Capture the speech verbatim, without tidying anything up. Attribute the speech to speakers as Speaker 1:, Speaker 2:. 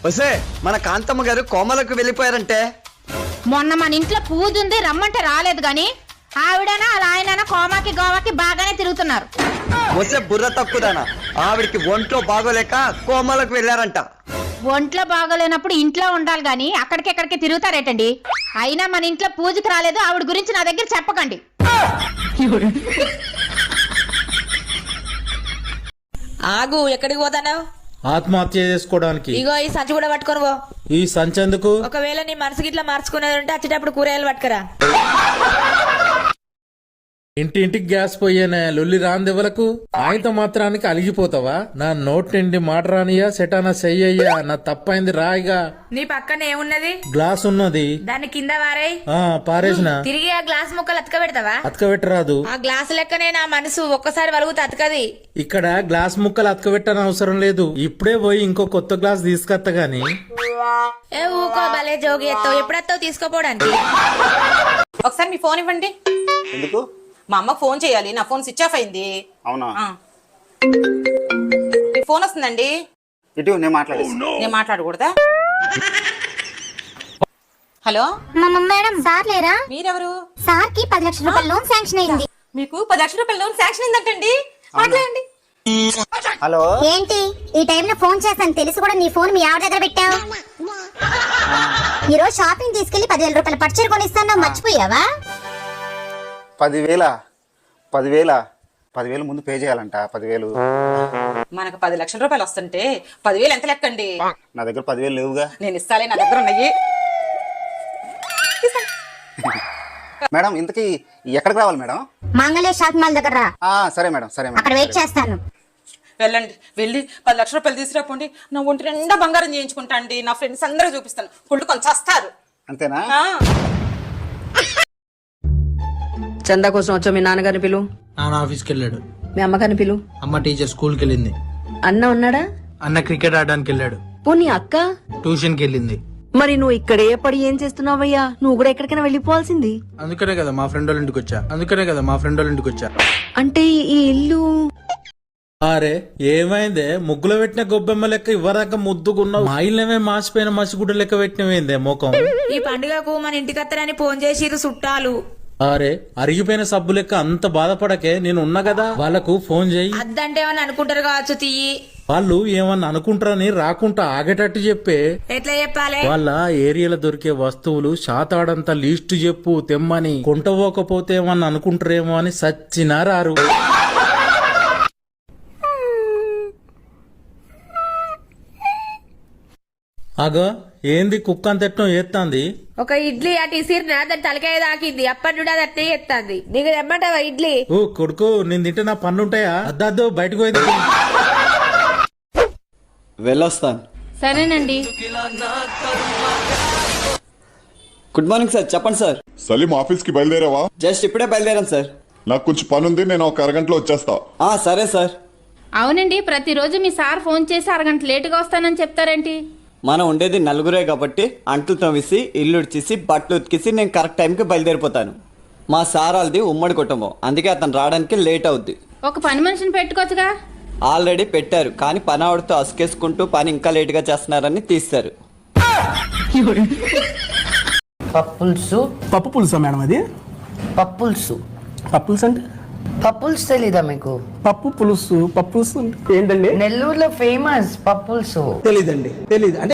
Speaker 1: వసే మన కాంతమ్మ గారు కోమలకు వెళ్ళిపోయారంటే.
Speaker 2: మొన్న మన ఇంట్లో పూజ ఉంది రమ్మంటే రాలేదు గాని ఆవిడనా అలా ఆయననా కోమాకి గోవాకి బాగానే తిరుగుతున్నారు.
Speaker 1: వసే బుర్ర తక్కుదానా, ఆవిడికి ఒంట్లో బాగోలేక కోమలకు వెళ్ళారంట.
Speaker 2: ఒంట్లో బాగోలేనప్పుడు ఇంట్లో ఉండాలి గాని అక్కడికి ఎక్కడికి తిరుగుతారేటండి. అయినా మన ఇంట్లో పూజకి రాలేదు ఆవిడ గురించి నా దగ్గర చెప్పకండి.
Speaker 3: ఆగు, ఎక్కడికి పోతావు?
Speaker 4: ఆత్మహత్య చేసుకోవడానికి.
Speaker 3: ఇగో ఈ సంచి కూడా పట్టుకొని పో.
Speaker 4: ఈ సంచి ఎందుకు?
Speaker 3: ఒకవేళ నీ మనసుకి ఇట్లా మార్చుకునేది ఉంటే వచ్చేటప్పుడు కూరగాయలు పట్టుకురా.
Speaker 4: ఇంటి ఇంటికి గ్యాస్ పోయేనే లొల్లి రాందెవలకు. ఆయనతో మాత్రానికి అలిగిపోతావా? నా నోట్ నిండి మాట రానియా సెటానా చెయ్యయ్యా, నా తప్పైంది రాయిగా.
Speaker 3: నీ పక్కన ఏమున్నది?
Speaker 4: గ్లాస్ ఉన్నది,
Speaker 3: దాని కింద వారాయి.
Speaker 4: ఆ పారేసిన.
Speaker 3: తిరిగి ఆ గ్లాస్ ముక్కలు అతక పెడతావా?
Speaker 4: అతక పెట్టరాదు.
Speaker 3: ఆ గ్లాస్ లెక్కనే నా మనసు ఒక్కసారి వలుగుతే అతకది.
Speaker 4: ఇక్కడ గ్లాస్ ముక్కలు అతక పెట్టని అవసరం లేదు. ఇప్పుడే పోయి ఇంకో కొత్త గ్లాస్ తీసుకొత్త గాని.
Speaker 3: ఏ ఊకో, భలే జోగి ఎత్తావు. ఎప్పుడెత్తావు తీసుకోపోవడానికి?
Speaker 5: ఒకసారి మీ ఫోన్ ఇవ్వండి.
Speaker 6: ఎందుకు?
Speaker 5: మా అమ్మ ఫోన్ చేయాలి, నా ఫోన్ స్విచ్ ఆఫ్ అయింది.
Speaker 6: అవునా?
Speaker 5: మీ ఫోన్ వస్తుందండి.
Speaker 6: ఇటు నేను మాట్లాడేసి.
Speaker 5: నేను మాట్లాడకూడదా? హలో
Speaker 7: మేడం, సార్ లేరా?
Speaker 5: మీరెవరు?
Speaker 7: సార్ కి పది లక్షల రూపాయల లోన్ శాంక్షన్ అయింది.
Speaker 5: మీకు పది లక్షల రూపాయల లోన్ శాంక్షన్ అయిందంటండి. మాట్లాడండి.
Speaker 6: హలో,
Speaker 7: ఏంటి ఈ టైంలో ఫోన్ చేస్తాను తెలిసి కూడా నీ ఫోన్ మీ ఆవిడ దగ్గర పెట్టావు? ఈ రోజు షాపింగ్ తీసుకెళ్లి పదివేల రూపాయల పట్టుచీర కొనిస్తాను, మర్చిపోయావా?
Speaker 6: పదివేల పదివేల పదివేలు ముందు పే చేయాలంట. పదివేలు
Speaker 5: మనకు పది లక్షల రూపాయలు వస్తుంటే పదివేలు ఎంత లెక్కండి?
Speaker 6: నా దగ్గర పదివేలు లేవుగా.
Speaker 5: నేను ఇస్తాలే, నా దగ్గర ఉన్నాయి.
Speaker 6: మేడం, ఇంతకీ ఎక్కడికి రావాలి మేడం?
Speaker 7: మంగళ షాప్ మాల్ దగ్గర రా.
Speaker 6: ఆ, సరే మేడం, సరే మేడం.
Speaker 7: అక్కడ వెయిట్ చేస్తాను.
Speaker 5: వెళ్ళండి, వెళ్ళి పది లక్షల రూపాయలు తీసుకురాపోండి. నా ఒంటి నిండా బంగారం చేయించుకుంటా అండి. నా ఫ్రెండ్స్ అందరూ చూపిస్తాను, కుళ్ళు కొంచెం వస్తారు.
Speaker 6: అంతేనా?
Speaker 8: చందా కోసం వచ్చా. మీ నాన్నగారిని పిలు.
Speaker 4: నాన్న ఆఫీస్కి వెళ్ళాడు.
Speaker 8: మీ అమ్మగారిని పిలు.
Speaker 4: అమ్మ టీచర్ స్కూల్కి వెళ్ళింది.
Speaker 8: అన్న ఉన్నాడా?
Speaker 4: అన్న క్రికెట్ ఆడడానికి వెళ్ళాడు.
Speaker 8: పోనీ అక్క?
Speaker 4: ట్యూషన్కి వెళ్ళింది.
Speaker 8: మరి నువ్వు ఇక్కడే పడి ఏం చేస్తున్నావయ్యా? నువ్వు కూడా ఎక్కడికైనా వెళ్ళిపోవాల్సింది.
Speaker 4: అందుకనే కదా మా ఫ్రెండ్ వాళ్ళ ఇంటికి వచ్చా. అందుకనే కదా మా ఫ్రెండ్ వాళ్ళ ఇంటికి వచ్చా.
Speaker 8: అంటే ఈ ఇల్లు?
Speaker 4: అరే ఏమైందే, ముగ్గులో పెట్టిన గొబ్బెమ్మ లెక్క ఇవ్వరాక ముద్దుకున్నావు. మా ఇల్లమే మాసిపోయిన మసిగుడ్డ లెక్క పెట్టినవేందే మోకం.
Speaker 3: ఈ పండుగకు మన ఇంటికి అత్తరని ఫోన్ చేసిరు చుట్టాలు.
Speaker 4: అరే అరిగిపోయిన సబ్బు లెక్క అంత బాధపడకే, నేను ఉన్నా కదా. వాళ్ళకు ఫోన్ చేయి.
Speaker 3: అద్దంటే ఏమని అనుకుంటారు కావచ్చు. తీయి.
Speaker 4: వాళ్ళు ఏమన్నా అనుకుంటారని రాకుంటా ఆగేటట్టు చెప్పే.
Speaker 3: ఎట్లా చెప్పాలి?
Speaker 4: వాళ్ళ ఏరియాలో దొరికే వస్తువులు శాతాడంత లిస్టు చెప్పు తెమ్మని. కొంటపోకపోతే ఏమన్నా అనుకుంటారేమో అని సచ్చినా రారు. అగో ఏంది కుక్క అంతెట్టం ఏత్తాంది?
Speaker 3: ఒక ఇడ్లీ అటు ఇసిరినా దాని తలకాయ దాకింది. అప్పటి నుండి అది అట్నే ఎత్తాంది. నీకు తెమ్మంటావా ఇడ్లీ?
Speaker 4: ఓ కొడుకు, నేను తింటే నా పన్నుంటాయా? అద్దద్దు బయటకు పోయింది.
Speaker 9: వెళ్ళొస్తాను.
Speaker 2: సరేనండి.
Speaker 9: Good morning sir. చెప్పండి సార్.
Speaker 10: సలీం ఆఫీస్ కి బయలుదేరావా?
Speaker 9: జస్ట్ ఇప్పుడే బయలుదేరాను సార్.
Speaker 10: నాకు కొంచెం పని ఉంది, నేను ఒక అరగంటలో వచ్చేస్తా.
Speaker 9: ఆ సరే సార్.
Speaker 2: అవునండి, ప్రతిరోజు మీ సార్ ఫోన్ చేసి అరగంట లేటుగా వస్తానని చెప్తారేంటి?
Speaker 9: మనం ఉండేది నలుగురే కాబట్టి అంట్లు తవ్వేసి ఇల్లు ఉడిచేసి బట్టలు ఉతికేసి నేను కరెక్ట్ టైంకి బయలుదేరిపోతాను. మా సార్ వాళ్ళది ఉమ్మడి కుటుంబం, అందుకే అతను రావడానికి లేట్ అవుద్ది.
Speaker 2: ఒక పని మనిషిని పెట్టుకోవచ్చుగా.
Speaker 9: ఆల్రెడీ పెట్టారు, కానీ పని ఆవిడతో అసుకేసుకుంటూ పని ఇంకా లేట్ గా చేస్తున్నారని తీస్తారు.
Speaker 8: పప్పుల్సు.
Speaker 11: పప్పు పులుసా మేడం? అది
Speaker 8: పప్పుల్సు.
Speaker 11: పప్పుల్స్ అంటే?
Speaker 8: పప్పుల్స్ తెలీదా మీకు?
Speaker 11: పప్పు పులుసు. పప్పుల్స్ ఏంటండి?
Speaker 8: నెల్లూరులో ఫేమస్ పప్పుల్సు.
Speaker 11: తెలీదండి, తెలీదు. అంటే